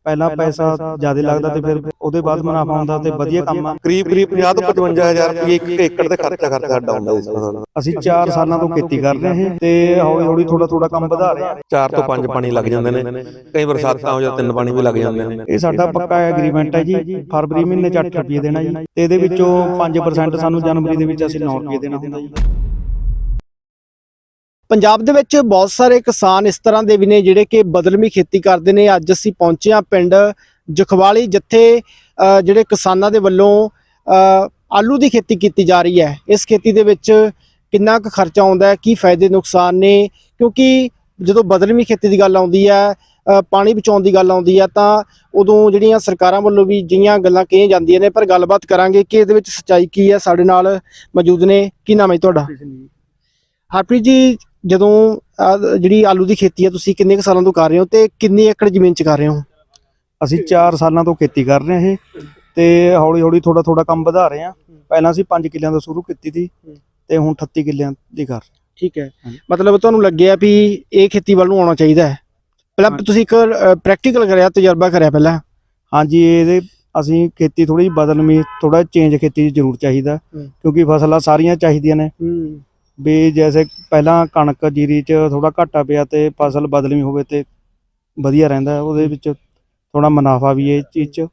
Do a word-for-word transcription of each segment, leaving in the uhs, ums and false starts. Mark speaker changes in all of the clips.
Speaker 1: ਪਹਿਲਾਂ ਪੈਸਾ ਜ਼ਿਆਦਾ ਲੱਗਦਾ ਤੇ ਫਿਰ ਉਹਦੇ ਬਾਅਦ ਮੁਨਾਫਾ ਹੁੰਦਾ ਤੇ ਵਧੀਆ ਕੰਮ ਆ।
Speaker 2: ਕਰੀਬ ਕਰੀਬ ਪੰਜਾਹ ਤੋਂ ਪਚਵੰਜਾ ਹਜ਼ਾਰ ਰੁਪਏ ਇੱਕ ਏਕੜ ਤੇ ਖਰਚਾ ਖਰਚਾ ਸਾਡਾ ਹੁੰਦਾ ਇਸ ਫਸਲ ਦਾ।
Speaker 1: ਅਸੀਂ ਚਾਰ ਸਾਲਾਂ ਤੋਂ ਖੇਤੀ ਕਰ ਰਹੇ ਹਾਂ ਤੇ ਹੌਲੀ ਹੌਲੀ ਥੋੜਾ ਥੋੜਾ ਕੰਮ ਵਧਾ ਰਹੇ ਹਾਂ।
Speaker 2: ਚਾਰ ਤੋਂ ਪੰਜ ਪਾਣੀ ਲੱਗ ਜਾਂਦੇ ਨੇ, ਕਈ ਬਰਸਾਤਾਂ ਹੋ ਜਾਂ ਤਿੰਨ ਪਾਣੀ ਵੀ ਲੱਗ ਜਾਂਦੇ ਨੇ।
Speaker 1: ਇਹ ਸਾਡਾ ਪੱਕਾ ਐਗਰੀਮੈਂਟ ਹੈ ਜੀ, ਫਰਵਰੀ ਮਹੀਨੇ ਚ ਅੱਠ ਰੁਪਏ ਦੇਣਾ ਜੀ ਤੇ ਇਹਦੇ ਵਿੱਚੋਂ ਪੰਜ ਪਰਸੈਂਟ ਸਾਨੂੰ ਜਨਵਰੀ ਦੇ ਵਿੱਚ ਅਸੀਂ ਨੌ ਰੁਪਏ ਦੇਣਾ ਹੁੰਦਾ ਜੀ।
Speaker 3: ਪੰਜਾਬ ਦੇ ਵਿੱਚ ਬਹੁਤ ਸਾਰੇ ਕਿਸਾਨ ਇਸ ਤਰ੍ਹਾਂ ਦੇ ਵੀ ਨੇ ਜਿਹੜੇ ਕਿ ਬਦਲਵੀਂ ਖੇਤੀ ਕਰਦੇ ਨੇ। ਅੱਜ ਅਸੀਂ ਪਹੁੰਚੇ ਹਾਂ ਪਿੰਡ ਜਖਵਾਲੀ, ਜਿੱਥੇ ਜਿਹੜੇ ਕਿਸਾਨਾਂ ਦੇ ਵੱਲੋਂ ਆਲੂ ਦੀ ਖੇਤੀ ਕੀਤੀ ਜਾ ਰਹੀ ਹੈ। ਇਸ ਖੇਤੀ ਦੇ ਵਿੱਚ ਕਿੰਨਾ ਕੁ ਖਰਚਾ ਆਉਂਦਾ ਹੈ, ਕੀ ਫਾਇਦੇ ਨੁਕਸਾਨ ਨੇ, ਕਿਉਂਕਿ ਜਦੋਂ ਬਦਲਵੀਂ ਖੇਤੀ ਦੀ ਗੱਲ ਆਉਂਦੀ ਹੈ, ਪਾਣੀ ਬਚਾਉਣ ਦੀ ਗੱਲ ਆਉਂਦੀ ਹੈ, ਤਾਂ ਉਦੋਂ ਜਿਹੜੀਆਂ ਸਰਕਾਰਾਂ ਵੱਲੋਂ ਵੀ ਜਿਹੀਆਂ ਗੱਲਾਂ ਕਹੀਆਂ ਜਾਂਦੀਆਂ ਨੇ। ਪਰ ਗੱਲਬਾਤ ਕਰਾਂਗੇ ਕਿ ਇਹਦੇ ਵਿੱਚ ਸੱਚਾਈ ਕੀ ਹੈ। ਸਾਡੇ ਨਾਲ ਮੌਜੂਦ ਨੇ, ਕੀ ਨਾਮ ਹੈ ਤੁਹਾਡਾ? ਹਰਪ੍ਰੀਤ ਜੀ, ਜਦੋਂ ਜਿਹੜੀ ਆਲੂ ਦੀ ਖੇਤੀ ਹੈ ਤੁਸੀਂ ਕਿੰਨੇ ਕੁ ਸਾਲਾਂ ਤੋਂ ਕਰ ਰਹੇ ਹੋ ਤੇ ਕਿੰਨੀ ਏਕੜ ਜ਼ਮੀਨ 'ਚ ਕਰ ਰਹੇ ਹੋ?
Speaker 1: ਅਸੀਂ ਚਾਰ ਸਾਲਾਂ ਤੋਂ ਖੇਤੀ ਕਰ ਰਹੇ ਹਾਂ ਇਹ ਤੇ ਹੌਲੀ ਹੌਲੀ ਥੋੜਾ ਥੋੜਾ ਕੰਮ ਵਧਾ ਰਹੇ ਹਾਂ। ਪਹਿਲਾਂ ਅਸੀਂ ਪੰਜ ਕਿੱਲਿਆਂ ਤੋਂ ਸ਼ੁਰੂ ਕੀਤੀ ਸੀ ਤੇ ਹੁਣ ਅਠੱਤੀ ਕਿੱਲਿਆਂ ਦੀ ਕਰ ਰਹੇ।
Speaker 3: ਠੀਕ ਹੈ, ਮਤਲਬ ਤੁਹਾਨੂੰ ਲੱਗਿਆ ਵੀ ਇਹ ਖੇਤੀ ਵੱਲ ਨੂੰ ਆਉਣਾ ਚਾਹੀਦਾ ਹੈ। ਪਹਿਲਾਂ ਤੁਸੀਂ ਇੱਕ ਪ੍ਰੈਕਟੀਕਲ ਕਰਿਆ, ਤਜਰਬਾ ਕਰਿਆ ਪਹਿਲਾਂ?
Speaker 1: ਹਾਂਜੀ, ਇਹਦੇ ਅਸੀਂ ਖੇਤੀ ਥੋੜੀ ਜਿਹੀ ਬਦਲਵੀਂ, ਥੋੜਾ ਚੇਂਜ ਖੇਤੀ ਜ਼ਰੂਰ ਚਾਹੀਦਾ, ਕਿਉਂਕਿ ਫਸਲਾਂ ਸਾਰੀਆਂ ਚਾਹੀਦੀਆਂ ਨੇ ਵੀ। ਜੈਸੇ ਪਹਿਲਾਂ ਕਣਕ ਜੀਰੀ 'ਚ ਥੋੜਾ ਘਾਟਾ ਪਿਆ ਤੇ ਫਸਲ ਬਦਲਵੀਂ ਹੋਵੇ ਤੇ ਵਧੀਆ ਰਹਿੰਦਾ, ਉਹਦੇ ਵਿੱਚ ਥੋੜਾ ਮੁਨਾਫਾ ਵੀ ਹੈ ਇਸ ਚੀਜ਼ 'ਚ।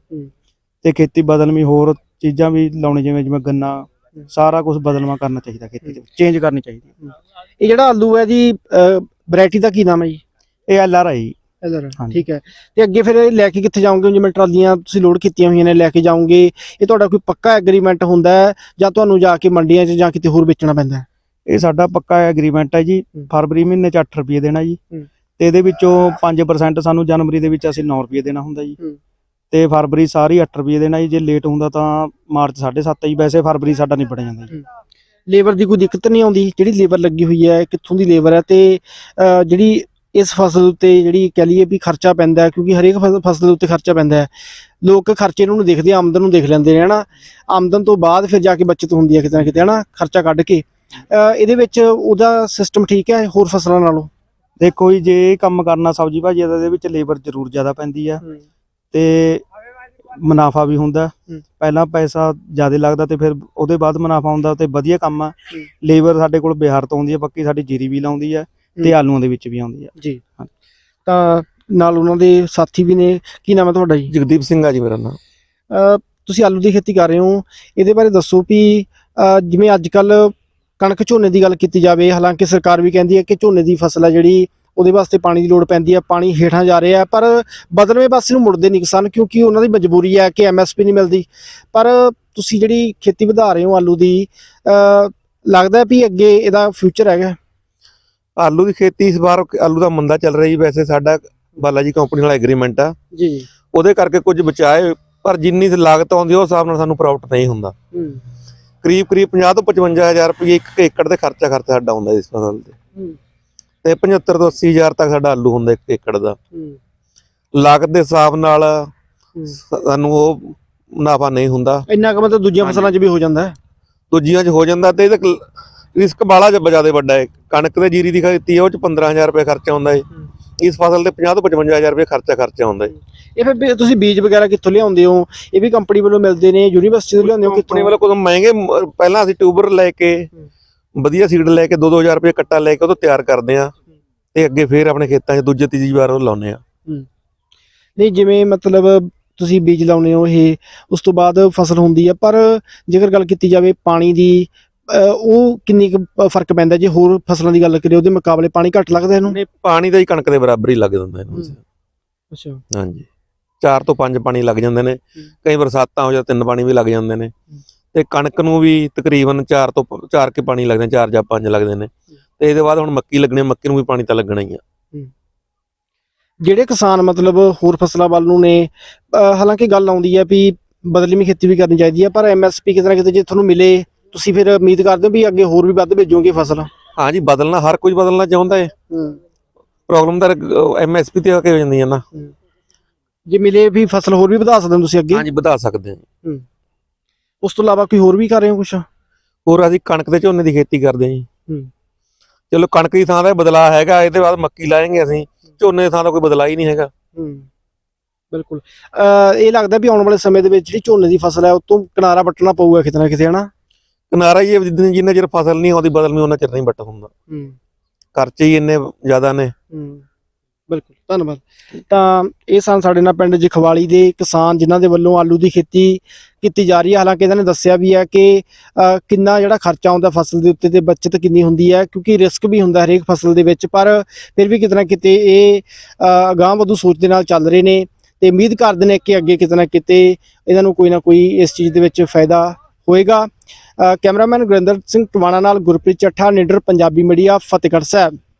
Speaker 1: ਤੇ ਖੇਤੀ ਬਦਲਵੀਂ ਹੋਰ ਚੀਜ਼ਾਂ ਵੀ ਲਾਉਣੀ, ਜਿਵੇਂ ਜਿਵੇਂ ਗੰਨਾ, ਸਾਰਾ ਕੁਝ ਬਦਲਵਾਂ ਕਰਨਾ ਚਾਹੀਦਾ, ਖੇਤੀ ਦੇ ਚੇਂਜ ਕਰਨੀ ਚਾਹੀਦੀ।
Speaker 3: ਇਹ ਜਿਹੜਾ ਆਲੂ ਹੈ ਜੀ, ਵੈਰਾਈਟੀ ਦਾ ਕੀ ਨਾਮ ਹੈ ਜੀ?
Speaker 1: ਇਹ ਐਲ ਆਰ ਆਈ।
Speaker 3: ਠੀਕ ਹੈ, ਤੇ ਅੱਗੇ ਫਿਰ ਲੈ ਕੇ ਕਿੱਥੇ ਜਾਓਗੇ? ਜਿਵੇਂ ਟਰਾਲੀਆਂ ਤੁਸੀਂ ਲੋਡ ਕੀਤੀਆਂ ਹੋਈਆਂ ਨੇ, ਲੈ ਕੇ ਜਾਓਗੇ, ਇਹ ਤੁਹਾਡਾ ਕੋਈ ਪੱਕਾ ਐਗਰੀਮੈਂਟ ਹੁੰਦਾ ਹੈ ਜਾਂ ਤੁਹਾਨੂੰ ਜਾ ਕੇ ਮੰਡੀਆਂ 'ਚ ਜਾਂ ਕਿਤੇ ਹੋਰ ਵੇਚਣਾ ਪੈਂਦਾ ਹੈ?
Speaker 1: ਇਹ ਸਾਡਾ ਪੱਕਾ ਐਗਰੀਮੈਂਟ ਹੈ ਜੀ। ਫਰਵਰੀ ਮਹੀਨੇ ਚ ਅੱਠ ਰੁਪਏ ਦੇਣਾ ਜੀ ਤੇ ਇਹਦੇ ਵਿੱਚੋਂ ਪੰਜ ਪਰਸੈਂਟ ਸਾਨੂੰ ਜਨਵਰੀ ਦੇ ਵਿੱਚ ਅਸੀਂ ਨੌ ਰੁਪਏ ਦੇਣਾ ਹੁੰਦਾ ਜੀ ਤੇ ਫਰਵਰੀ ਸਾਰੀ ਅੱਠ ਰੁਪਏ ਦੇਣਾ ਜੀ। ਜੇ ਲੇਟ ਹੁੰਦਾ ਤਾਂ ਮਾਰਚ ਸਾਢੇ ਸੱਤ ਜੀ। ਵੈਸੇ ਫਰਵਰੀ ਸਾਡਾ ਨਿਬੜ ਜਾਂਦਾ ਜੀ।
Speaker 3: ਲੇਬਰ ਦੀ ਕੋਈ ਦਿੱਕਤ ਨਹੀਂ ਆਉਂਦੀ? ਜਿਹੜੀ ਲੇਬਰ ਲੱਗੀ ਹੋਈ ਹੈ, ਕਿੱਥੋਂ ਦੀ ਲੇਬਰ ਹੈ ਤੇ ਜਿਹੜੀ ਇਸ ਫਸਲ ਉੱਤੇ ਜਿਹੜੀ ਕਹਿ ਲਈਏ ਵੀ ਖਰਚਾ ਪੈਂਦਾ ਹੈ, ਕਿਉਂਕਿ ਹਰੇਕ ਫਸਲ ਦੇ ਉੱਤੇ ਖਰਚਾ ਪੈਂਦਾ ਹੈ। ਲੋਕ ਖਰਚੇ ਨੂੰ ਦੇਖਦੇ, ਆਮਦਨ ਨੂੰ ਦੇਖ ਲੈਂਦੇ ਨੇ ਹੈ ਨਾ। ਆਮਦਨ ਤੋਂ ਬਾਅਦ ਫਿਰ ਜਾ ਕੇ ਬੱਚਤ ਹੁੰਦੀ ਹੈ ਕਿਤੇ ਨਾ ਕਿਤੇ ਹੈ ਨਾ, ਖਰਚਾ ਕੱਢ ਕੇ। ਇਹਦੇ ਵਿੱਚ ਉਹਦਾ ਸਿਸਟਮ ਠੀਕ ਹੈ ਹੋਰ ਫਸਲਾਂ ਨਾਲੋਂ?
Speaker 1: ਦੇਖੋ ਜੀ, ਜੇ ਇਹ ਕੰਮ ਕਰਨਾ ਸਬਜ਼ੀ ਭਾਜੀ ਦਾ, ਇਹਦੇ ਵਿੱਚ ਲੇਬਰ ਜ਼ਰੂਰ ਜ਼ਿਆਦਾ ਪੈਂਦੀ ਆ ਤੇ ਮੁਨਾਫਾ ਵੀ ਹੁੰਦਾ। ਪਹਿਲਾਂ ਪੈਸਾ ਜ਼ਿਆਦਾ ਲੱਗਦਾ ਤੇ ਫਿਰ ਉਹਦੇ ਬਾਅਦ ਮੁਨਾਫਾ ਹੁੰਦਾ ਤੇ ਵਧੀਆ ਕੰਮ ਆ। ਲੇਬਰ ਸਾਡੇ ਕੋਲ ਬਿਹਾਰ ਤੋਂ ਆਉਂਦੀ ਹੈ, ਬਾਕੀ ਸਾਡੀ ਜੀਰੀ ਵੀ ਲਾਉਂਦੀ ਆ ਤੇ ਆਲੂਆਂ ਦੇ ਵਿੱਚ ਵੀ ਆਉਂਦੀ ਆ
Speaker 3: ਜੀ। ਤਾਂ ਨਾਲ ਉਹਨਾਂ ਦੇ ਸਾਥੀ ਵੀ ਨੇ। ਕੀ ਨਾਮ ਹੈ ਤੁਹਾਡਾ ਜੀ?
Speaker 2: ਜਗਦੀਪ ਸਿੰਘ ਆ ਜੀ ਮੇਰਾ ਨਾਮ।
Speaker 3: ਤੁਸੀਂ ਆਲੂ ਦੀ ਖੇਤੀ ਕਰ ਰਹੇ ਹੋ, ਇਹਦੇ ਬਾਰੇ ਦੱਸੋ ਵੀ ਜਿਵੇਂ ਅੱਜ ਕੱਲ੍ਹ ਕਣਕ ਝੋਨੇ ਦੀ ਗੱਲ ਕੀਤੀ ਜਾਵੇ, ਹਾਲਾਂਕਿ ਸਰਕਾਰ ਵੀ ਕਹਿੰਦੀ ਹੈ ਕਿ ਝੋਨੇ ਦੀ ਫਸਲ ਹੈ ਜਿਹੜੀ ਉਹਦੇ ਵਾਸਤੇ ਪਾਣੀ ਦੀ ਲੋੜ ਪੈਂਦੀ ਹੈ, ਪਾਣੀ ਹੇਠਾਂ ਜਾ ਰਿਹਾ, ਪਰ ਬਦਲਵੇਂ ਪਾਸੇ ਨੂੰ ਮੁੜਦੇ ਨਹੀਂ ਕਿਸਾਨ, ਕਿਉਂਕਿ ਉਹਨਾਂ ਦੀ ਮਜਬੂਰੀ ਹੈ ਕਿ ਐਮ ਐਸ ਪੀ ਨਹੀਂ ਮਿਲਦੀ। ਪਰ ਤੁਸੀਂ ਜਿਹੜੀ ਖੇਤੀ ਵਧਾ ਰਹੇ ਹੋ ਆਲੂ ਦੀ, ਲੱਗਦਾ ਵੀ ਅੱਗੇ ਇਹਦਾ ਫਿਊਚਰ ਹੈਗਾ?
Speaker 2: ਆਲੂ ਦੀ ਖੇਤੀ ਇਸ ਵਾਰ ਆਲੂ ਦਾ ਮੰਦਾ ਚੱਲ ਰਿਹਾ ਜੀ। ਵੈਸੇ ਸਾਡਾ ਬਾਲਾ ਜੀ ਕੰਪਨੀ ਨਾਲ ਐਗਰੀਮੈਂਟ ਆ
Speaker 3: ਜੀ,
Speaker 2: ਉਹਦੇ ਕਰਕੇ ਕੁਝ ਬਚਾਏ, ਪਰ ਜਿੰਨੀ ਲਾਗਤ ਆਉਂਦੀ ਉਸ ਹਿਸਾਬ ਨਾਲ ਸਾਨੂੰ ਪ੍ਰੋਫਿਟ ਨਹੀਂ ਹੁੰਦਾ। ਕਰੀਬ ਕਰੀਬ ਪੰਜਾਹ ਤੋਂ ਪਚਵੰਜਾ ਹਜ਼ਾਰ ਰੁਪਏ ਇੱਕ ਏਕੜ ਤੇ ਖਰਚਾ ਖਰਚਾ ਸਾਡਾ ਹੁੰਦਾ ਇਸ ਫਸਲ ਤੇ ਤੇ ਪਝੱਤਰ ਤੋਂ ਅੱਸੀ ਹਜ਼ਾਰ ਤੱਕ ਸਾਡਾ ਆਲੂ ਹੁੰਦਾ ਇੱਕ ਏਕੜ ਦਾ। ਲਾਗਤ ਦੇ ਹਿਸਾਬ ਨਾਲ ਸਾਨੂੰ ਉਹ ਮੁਨਾਫਾ ਨਹੀਂ ਹੁੰਦਾ।
Speaker 3: ਇੰਨਾ ਕੁ ਮਤਲਬ ਦੂਜੀਆਂ ਫਸਲਾਂ 'ਚ ਵੀ ਹੋ ਜਾਂਦਾ ਹੈ?
Speaker 2: ਦੂਜੀਆਂ 'ਚ ਹੋ ਜਾਂਦਾ ਤੇ ਇਹਦਾ ਰਿਸਕ ਬਾਲਾ ਜ਼ਿਆਦਾ ਵੱਡਾ ਹੈ। ਕਣਕ ਤੇ ਜੀਰੀ ਦੀ ਖੇਤੀ ਹੈ, ਉਹ 'ਚ ਪੰਦਰਾਂ ਹਜ਼ਾਰ ਰੁਪਏ ਖਰਚਾ ਆਉਂਦਾ ਹੈ। ਇਸ ਫਸਲ ਤੇ ਪੰਜਾਹ ਤੋਂ ਪਚਵੰਜਾ ਹਜ਼ਾਰ ਰੁਪਏ ਖਰਚਾ ਖਰਚਾ ਆਉਂਦਾ ਹੈ।
Speaker 3: ਇਹ ਫਿਰ ਤੁਸੀਂ ਬੀਜ ਵਗੈਰਾ ਕਿੱਥੋਂ ਲਿਆਉਂਦੇ ਹੋ? ਇਹ ਵੀ ਕੰਪਨੀ ਵੱਲੋਂ ਮਿਲਦੇ ਨੇ, ਯੂਨੀਵਰਸਿਟੀ ਤੋਂ ਲਿਆਉਂਦੇ ਹੋ?
Speaker 2: ਕੰਪਨੀ ਵੱਲੋਂ ਕੁਝ ਮਹਿੰਗੇ, ਪਹਿਲਾਂ ਅਸੀਂ ਟਿਊਬਰ ਲੈ ਕੇ ਵਧੀਆ ਸੀਡ ਲੈ ਕੇ ਦੋ ਦੋ ਹਜ਼ਾਰ ਰੁਪਏ ਕੱਟਾ ਲੈ ਕੇ ਉਹ ਤੋਂ ਤਿਆਰ ਕਰਦੇ ਆ ਤੇ ਅੱਗੇ ਫੇਰ ਆਪਣੇ ਖੇਤਾਂ 'ਚ ਦੂਜੇ ਤੀਜੀ ਵਾਰ ਉਹ ਲਾਉਂਦੇ ਆ।
Speaker 3: ਨਹੀਂ, ਜਿਵੇਂ ਮਤਲਬ ਤੁਸੀਂ ਬੀਜ ਲਾਉਂਦੇ ਹੋ, ਇਹ ਉਸ ਤੋਂ ਬਾਅਦ ਫਸਲ ਹੁੰਦੀ ਆ, ਪਰ ਜੇਕਰ ਗੱਲ ਕੀਤੀ ਜਾਵੇ ਪਾਣੀ ਦੀ, ਉਹ ਕਿੰਨੀ ਕੁ ਫਰਕ ਪੈਂਦਾ ਜੇ ਹੋਰ ਫਸਲਾਂ ਦੀ ਗੱਲ ਕਰੀਏ ਉਹਦੇ ਮੁਕਾਬਲੇ? ਪਾਣੀ ਘੱਟ ਲੱਗਦਾ ਇਹਨੂੰ?
Speaker 2: ਨਹੀਂ, ਪਾਣੀ ਦਾ ਹੀ ਕਣਕ ਦੇ ਬਰਾਬਰ ਹੀ ਲੱਗ ਜਾਂਦਾ ਇਹਨੂੰ।
Speaker 3: ਅੱਛਾ,
Speaker 2: ਹਾਂਜੀ, ਚਾਰ ਤੋਂ ਪੰਜ ਪਾਣੀ ਲੱਗ ਜਾਂਦੇ ਨੇ, ਕਈ ਬਰਸਾਤਾਂ ਹੋ ਜਾਂ ਤਿੰਨ ਪਾਣੀ ਵੀ ਲੱਗ ਜਾਂਦੇ ਨੇ ਤੇ ਕਣਕ ਨੂੰ ਵੀ ਤਕਰੀਬਨ ਚਾਰ ਤੋਂ ਚਾਰ ਕੇ ਪਾਣੀ ਲੱਗਦੇ, ਚਾਰ ਜਾਂ ਪੰਜ ਲੱਗਦੇ ਨੇ ਤੇ ਇਹਦੇ ਬਾਅਦ ਹੁਣ ਮੱਕੀ ਲੱਗਣੀ, ਮੱਕੀ ਨੂੰ ਵੀ ਪਾਣੀ ਤਾਂ ਲੱਗਣਾ ਹੀ ਆ।
Speaker 3: ਜਿਹੜੇ ਕਿਸਾਨ ਮਤਲਬ ਹੋਰ ਫਸਲਾਂ ਵੱਲ ਨੂੰ ਨੇ, ਹਾਲਾਂਕਿ ਗੱਲ ਆਉਂਦੀ ਹੈ ਵੀ ਬਦਲਵੀਂ ਖੇਤੀ ਵੀ ਕਰਨੀ ਚਾਹੀਦੀ ਹੈ, ਪਰ ਐਮ ਐਸ ਪੀ ਕਿਤੇ ਨਾ ਕਿਤੇ ਜੇ ਤੁਹਾਨੂੰ ਮਿਲੇ, ਤੁਸੀਂ ਫਿਰ ਉਮੀਦ ਕਰਦੇ ਹੋ ਵੀ ਅੱਗੇ ਹੋਰ ਵੀ ਵੱਧ ਭੇਜੋਗੇ ਫਸਲ?
Speaker 2: ਹਾਂਜੀ, ਬਦਲਣਾ ਹਰ ਕੋਈ ਬਦਲਣਾ ਚਾਹੁੰਦਾ ਹੈ। ਪ੍ਰੋਬਲਮ ਤਾਂ ਐਮ ਐਸ ਪੀ ਤੇ ਆ ਕੇ ਹੋ ਜਾਂਦੀ ਹੈ ਨਾ।
Speaker 3: ਜੇ ਮਿਲੇ ਵੀ ਫਸਲ ਹੋਰ ਵੀ ਵਧਾ ਸਕਦੇ ਹੋ ਤੁਸੀਂ ਅੱਗੇ?
Speaker 2: ਹਾਂਜੀ, ਵਧਾ ਸਕਦੇ ਹਾਂ।
Speaker 3: ਉਸ ਤੋਂ ਇਲਾਵਾ ਕੋਈ ਹੋਰ ਵੀ ਕਰ ਰਹੇ ਹੋ ਕੁਛ?
Speaker 2: ਹੋਰ ਅਸੀਂ ਕਣਕ ਤੇ ਝੋਨੇ ਦੀ ਖੇਤੀ ਕਰਦੇ ਹਾਂ ਜੀ। ਚਲੋ ਕਣਕ ਦੀ ਥਾਂ ਦਾ ਬਦਲਾਅ ਹੈਗਾ, ਇਹਦੇ ਬਾਅਦ ਮੱਕੀ ਲਾਏਂਗੇ ਅਸੀਂ। ਝੋਨੇ ਦੀ ਥਾਂ ਦਾ ਕੋਈ ਬਦਲਾਅ ਹੀ ਨਹੀਂ ਹੈਗਾ।
Speaker 3: ਬਿਲਕੁਲ ਅਹ ਇਹ ਲੱਗਦਾ ਵੀ ਆਉਣ ਵਾਲੇ ਸਮੇਂ ਦੇ ਵਿੱਚ ਜਿਹੜੀ ਝੋਨੇ ਦੀ ਫਸਲ ਹੈ ਉਹ ਤੋਂ ਕਿਨਾਰਾ ਵੱਟਣਾ ਪਊਗਾ ਕਿਤੇ ਨਾ ਕਿਤੇ, ਹਨਾ?
Speaker 2: ਕਿਨਾਰਾ ਹੀ ਹੈ, ਜਿੰਨੇ ਜਿੰਨਾ ਚਿਰ ਫਸਲ ਨਹੀਂ ਆਉਂਦੀ ਬਦਲਮੀ ਉਹਨਾਂ ਚਿਰ ਨਹੀਂ ਵੱਟ ਹੁੰਦਾ। ਖਰਚੇ ਹੀ ਇੰਨੇ ਜ਼ਿਆਦਾ ਨੇ।
Speaker 3: ਬਿਲਕੁਲ, ਧੰਨਵਾਦ। ਤਾਂ ਇਹ ਸਨ ਸਾਡੇ ਨਾਲ ਪਿੰਡ ਜਖਵਾਲੀ ਦੇ ਕਿਸਾਨ ਜਿਨ੍ਹਾਂ ਦੇ ਵੱਲੋਂ ਆਲੂ ਦੀ ਖੇਤੀ ਕੀਤੀ ਜਾ ਰਹੀ ਹੈ। ਹਾਲਾਂਕਿ ਇਹਨਾਂ ਨੇ ਦੱਸਿਆ ਵੀ ਹੈ ਕਿ ਅ, ਕਿੰਨਾ ਜਿਹੜਾ ਖਰਚਾ ਆਉਂਦਾ ਫਸਲ ਦੇ ਉੱਤੇ ਤੇ ਬਚਤ ਕਿੰਨੀ ਹੁੰਦੀ ਹੈ, ਕਿਉਂਕਿ ਰਿਸਕ ਵੀ ਹੁੰਦਾ ਹਰੇਕ ਫਸਲ ਦੇ ਵਿੱਚ, ਪਰ ਫਿਰ ਵੀ ਕਿਤੇ ਨਾ ਕਿਤੇ ਇਹ ਅ, ਅਗਾਂਹ ਵਧੂ ਸੋਚ ਦੇ ਨਾਲ ਚੱਲ ਰਹੇ ਨੇ ਤੇ ਉਮੀਦ ਕਰਦੇ ਨੇ ਕਿ ਅੱਗੇ ਕਿਤੇ ਨਾ ਕਿਤੇ ਇਹਨਾਂ ਨੂੰ ਕੋਈ ਨਾ ਕੋਈ ਇਸ ਚੀਜ਼ ਦੇ ਵਿੱਚ ਫਾਇਦਾ ਹੋਏਗਾ। ਅ, ਕੈਮਰਾਮੈਨ ਗੁਰਿੰਦਰ ਸਿੰਘ ਟਵਾਣਾ ਨਾਲ ਗੁਰਪ੍ਰੀਤ ਚੱਠਾ, ਨਿਡਰ ਪੰਜਾਬੀ ਮੀਡੀਆ, ਫਤਿਹਗੜ੍ਹ ਸਾਹਿਬ।